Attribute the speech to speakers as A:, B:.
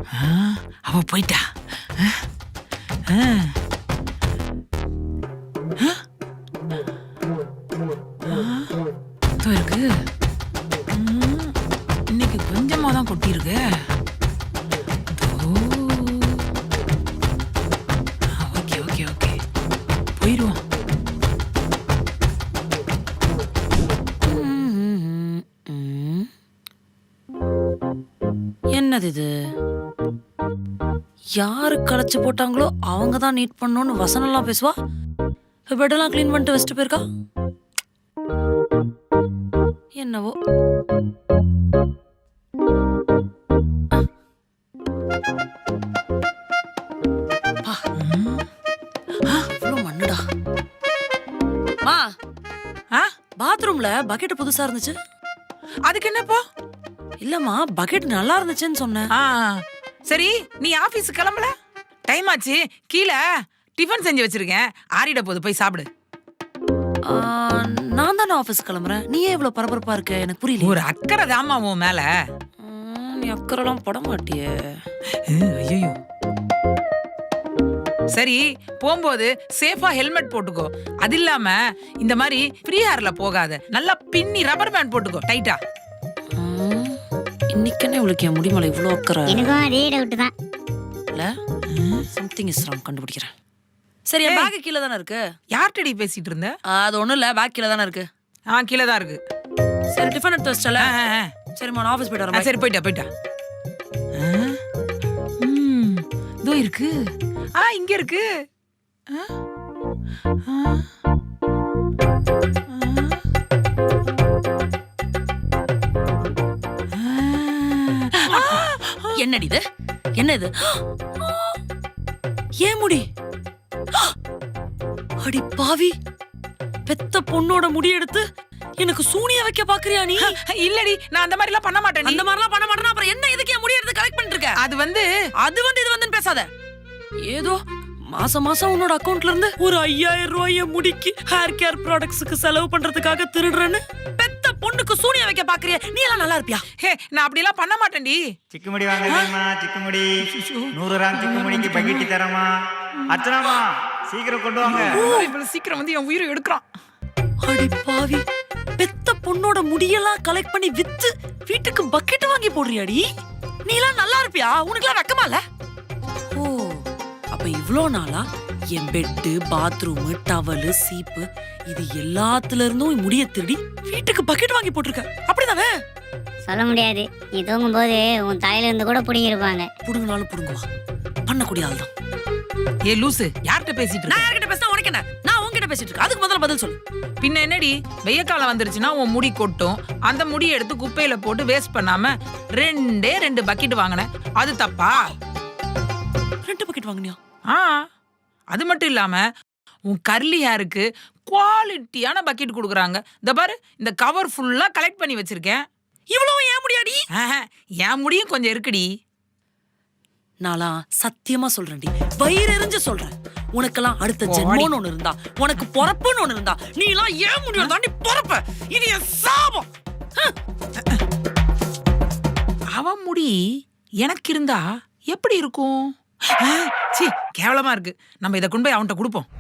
A: அவ போயிட்டா. இருக்கு. இன்னைக்கு கொஞ்சமா தான் கொட்டிருக்கு. ஓகே ஓகே ஓகே, போயிடுவோம்.
B: என்னது இது? யாரு களைச்சு போட்டாங்களோ அவங்க தான் நீட் பண்ணணும்னு வசனம்லாம் பேசுவா. பெட்டெல்லாம் கிளீன் பண்ணிட்டு வச்சுட்டு போயிருக்கா. என்னவோ. மண்ணுடா. மா, பாத்ரூம்ல பக்கெட் புதுசா இருந்துச்சு.
A: அதுக்கு என்னப்போ?
B: இல்லம்மா, பக்கெட் நல்லா இருந்துச்சுன்னு சொன்னேன்.
A: சரி, நீ ஆபீஸ் கிளம்பல? டைம் ஆச்சு. கீழே டிஃபன் செஞ்சு வச்சிருக்கேன், ஆறிட போது, போய் சாப்பிடு.
B: நான் தானே ஆபீஸ் கிளம்புறேன். நீ ஏன் இவ்வளவு பரபரப்பா இருக்க? எனக்கு புரியல.
A: ஒரு அக்கறை தாமா உன் மேல.
B: நீ அக்கறைலாம் பட மாட்டியே.
A: ஐயோ. சரி, போகும்போது சேஃபா ஹெல்மெட் போட்டுக்கோ. அது இல்லாம இந்த மாதிரி ஃப்ரீ ஹேர்ல போகாத. நல்லா பின்னி ரப்பர் பேண்ட் போட்டுக்கோ டைட்டா.
B: இன்னைக்கே உங்களுக்கு என் முடிமலை இவ்வளோ அக்கறை.
C: எனக்கும் அதே டவுட் தான்.
B: இல்ல, சம்திங் இஸ் ராங், கண்டுபிடிக்கிறேன். சரி, என் பேக் கீழே தானே இருக்கு.
A: யார்கிட்டடி பேசிட்டு இருந்த?
B: அது ஒண்ணும் இல்ல, பேக் கீழே தானே இருக்கு.
A: கீழே தான் இருக்கு.
B: சரி, டிஃபன் எடுத்து வச்சிட்டல. சரிம்மா, நான் ஆஃபீஸ் போயிட்டு வரேன்.
A: சரி, போயிட்டா. இதோ இருக்கு. இங்க இருக்கு.
B: என்னடி இது? என்ன இது? ஏன் முடி? அடி பாவி, பெத்த பொண்ணோட முடி எடுத்து எனக்கு சூனிய வைக்க பாக்குறியா நீ?
A: இல்லடி, நான் அந்த மாதிரி எல்லாம் பண்ண மாட்டேன்.
B: அந்த மாதிரி எல்லாம் பண்ண மாட்டேனா அப்புறம் என்ன இதுக்கு என் முடி எடுத்து கலெக்ட் பண்ணிட்டு இருக்க?
A: அது வந்து
B: இது வந்து பேசாத. ஏதோ மாசம் உன்னோட அக்கவுண்ட்ல இருந்து ஒரு 5000 ரூபாய முடிக்கு ஹேர் கேர் ப்ராடக்ட்ஸ்க்கு செலவு பண்றதுக்காக திருடுறேன்னு பெத்த பொண்ணுக்கு சூனிய வைக்க பாக்குறியா? நீ எல்லாம் நல்லா இருப்பியா?
A: நான் அப்படி எல்லாம் பண்ண மாட்டேன்டி.
D: சிக்குமுடி வாங்க தெரியுமா? சிக்குமுடி 100 கிராம் சிக்குமுடிக்கு பக்கெட்டி தரமா? அர்ச்சனாமா, சீக்கிரம் கொண்டு வாங்க.
A: இவ்வளவு சீக்கிரம் வந்து என் உயிரை எடுக்கிறான்.
B: அடி பாவி, பெத்த பொண்ணோட முடியெல்லாம் கலெக்ட் பண்ணி வித்து வீட்டுக்கு பக்கெட் வாங்கி போடுறியாடி? நீ எல்லாம் நல்லா இருப்பியா? உனக்கு எல்லாம் வெக்கமா இல்ல? ஓ, அப்ப இவ்ளோ நாளா என் பெட்டு, பாத்ரூம், டவலு, சீப்பு இது எல்லாத்துல இருந்தும் முடிய திருடி வீட்டுக்கு பக்கெட் வாங்கி போட்டிருக்க, அப்படிதானே?
C: சொல்ல முடியாது. நீ தூங்கும் போது உன் தலையில இருந்து கூட புடிங்கிருப்பாங்க.
B: புடுங்கினாலும் புடுங்குவா, பண்ணக்கூடிய ஆள் தான்.
A: ஏ லூசு, யார்கிட்ட பேசிட்டு இருக்க?
B: நான் யார்கிட்ட பேசினா உனக்கு என்ன? நான் உன்கிட்ட பேசிட்டு இருக்கேன். அதுக்கு முதல்ல பதில் சொல்லு.
A: பின்ன என்னடி, வெய்ய காலம் வந்துருச்சுன்னா உன் முடி கொட்டும். அந்த முடியை எடுத்து குப்பையில போட்டு வேஸ்ட் பண்ணாம 2 பக்கெட் வாங்கினேன், அது தப்பா?
B: 2 பக்கெட் வாங்கினியா?
A: அது மட்டும் இல்லாம உன் கர்லி ஹேருக்கு குவாலிட்டியான பக்கெட் கொடுக்குறாங்க. இந்த பாரு, இந்த கவர் ஃபுல்லா கலெக்ட் பண்ணி வச்சிருக்கேன்.
B: இவ்வளவு ஏன் முடியாடி?
A: என் முடியும் கொஞ்சம் இருக்குடி.
B: நாளா சத்தியமா சொல்றேன்டி, வயிறு எரிஞ்சு சொல்றேன். உனக்கெல்லாம் அடுத்த ஜென்மம்னு ஒண்ணு இருந்தா, உனக்கு பொறப்புன்னு ஒண்ணு இருந்தா, நீ எல்லாம் ஏன் முடியும் தாண்டி பொறப்ப. இது என் சாபம்.
A: அவன் முடி எனக்கு இருந்தா எப்படி இருக்கும்? கேவலமா இருக்கு. நம்ம இதை கொண்டு போய் அவன்கிட்ட கொடுப்போம்.